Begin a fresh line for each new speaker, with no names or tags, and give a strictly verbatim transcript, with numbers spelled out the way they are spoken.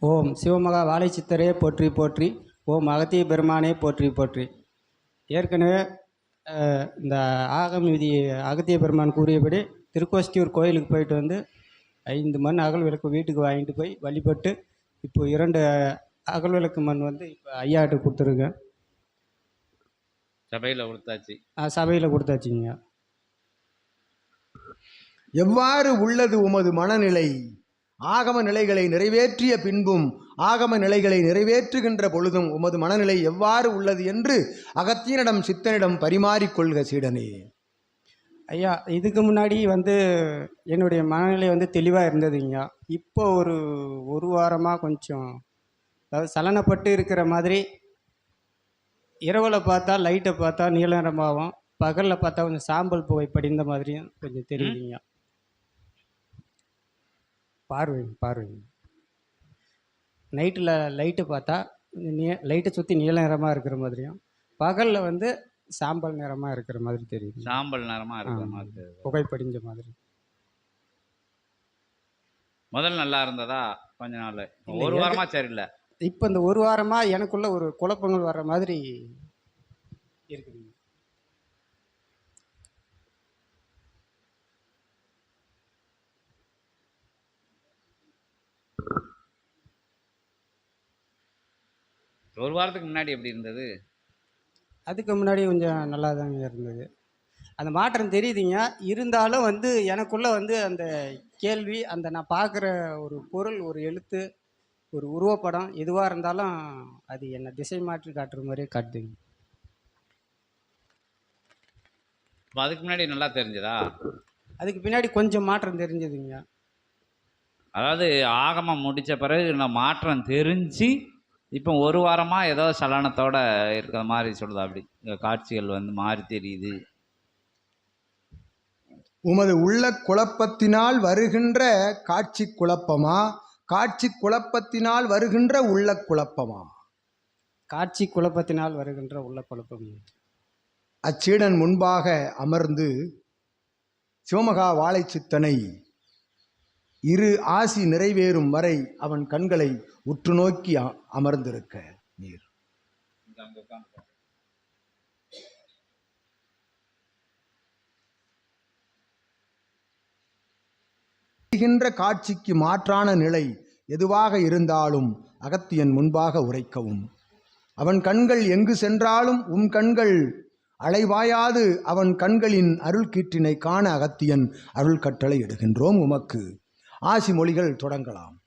ஓம் சிவமகா வாழைச்சித்தரே போற்றி போற்றி. ஓம் அகத்திய பெருமானே போற்றி போற்றி. ஏற்கனவே இந்த ஆகம் விதி அகத்திய பெருமான் கூறியபடி திருக்கோஷ்டியூர் கோயிலுக்கு போயிட்டு வந்து ஐந்து மண் அகல் விளக்கு வீட்டுக்கு வாங்கிட்டு போய் வழிபட்டு இப்போ இரண்டு அகல் விளக்கு மண் வந்து இப்போ ஐயாட்டு கொடுத்துருக்கேன்.
சபையில் கொடுத்தாச்சு.
சபையில் கொடுத்தாச்சுங்க.
எவ்வாறு உள்ளது உமது மனநிலை? ஆகம நிலைகளை நிறைவேற்றிய பின்பும் ஆகம நிலைகளை நிறைவேற்றுகின்ற பொழுதும் உமது மனநிலை எவ்வாறு உள்ளது என்று அகத்தியனிடம் சித்தனிடம் பரிமாறிக்கொள்க சீடனே.
ஐயா, இதுக்கு முன்னாடி வந்து என்னுடைய மனநிலை வந்து தெளிவாக இருந்ததுங்க. இப்போ ஒரு ஒரு வாரமாக கொஞ்சம் அதாவது சலனப்பட்டு இருக்கிற மாதிரி. இரவில் பார்த்தா லைட்டை பார்த்தா நீல நிறமாகவும், பகலில் பார்த்தா கொஞ்சம் சாம்பல் புகை படிந்த மாதிரியும் கொஞ்சம் தெரியுதுங்க. பார்வை பார்வை நைட்டில் லைட்டு பார்த்தா நீ லைட்டை சுற்றி நீல நிறமாக இருக்கிற மாதிரியும், பகலில் வந்து சாம்பல் நிறமாக இருக்கிற மாதிரி தெரியுது.
சாம்பல் நிறமாக இருக்கிற மாதிரி
புகை படிஞ்ச மாதிரி.
முதல் நல்லா இருந்ததா? கொஞ்ச நாள் ஒரு வாரமாக சரியில்லை.
இப்போ இந்த ஒரு வாரமாக எனக்குள்ள ஒரு குழப்பங்கள் வர்ற மாதிரி இருக்குது.
ஒரு வாரத்துக்கு முன்னாடி எப்படி இருந்தது?
அதுக்கு முன்னாடி கொஞ்சம் நல்லா தாங்க இருந்தது. அந்த மாற்றம் தெரியுதுங்க. இருந்தாலும் வந்து எனக்குள்ளே வந்து அந்த கேள்வி, அந்த நான் பார்க்குற ஒரு பொருள், ஒரு எழுத்து, ஒரு உருவப்படம் எதுவாக இருந்தாலும் அது என்னை திசை மாற்றி காட்டுற மாதிரியே காட்டுதுங்க.
அதுக்கு முன்னாடி நல்லா தெரிஞ்சதா?
அதுக்கு பின்னாடி கொஞ்சம் மாற்றம் தெரிஞ்சதுங்க.
அதாவது ஆகமம் முடித்த பிறகு நான் மாற்றம் தெரிஞ்சு இப்போ ஒரு வாரமாக ஏதோ சலனத்தோடு இருக்கிற மாதிரி சொல்லுது. அப்படி காட்சிகள் வந்து மாறி தெரியுது.
உமது உள்ள குழப்பத்தினால் வருகின்ற காட்சி குழப்பமா, காட்சி குழப்பத்தினால் வருகின்ற உள்ள குழப்பமா?
காட்சி குழப்பத்தினால் வருகின்ற உள்ள குழப்பம்.
அச்சீடன் முன்பாக அமர்ந்து சிவமகா வாழைச்சித்தனை இரு ஆசி நிறைவேறும் வரை அவன் கண்களை உற்று நோக்கி அமர்ந்திருக்க நீர். காட்சிக்கு மாற்றான நிலை எதுவாக இருந்தாலும் அகத்தியன் முன்பாக உரைக்கவும். அவன் கண்கள் எங்கு சென்றாலும் உம் கண்கள் அலைவாயாது அவன் கண்களின் அருள் கீற்றினை காண அகத்தியன் அருள் கட்டளை இடுகின்றோம் உமக்கு. ஆசி மொழிகள் தொடங்கலாம்.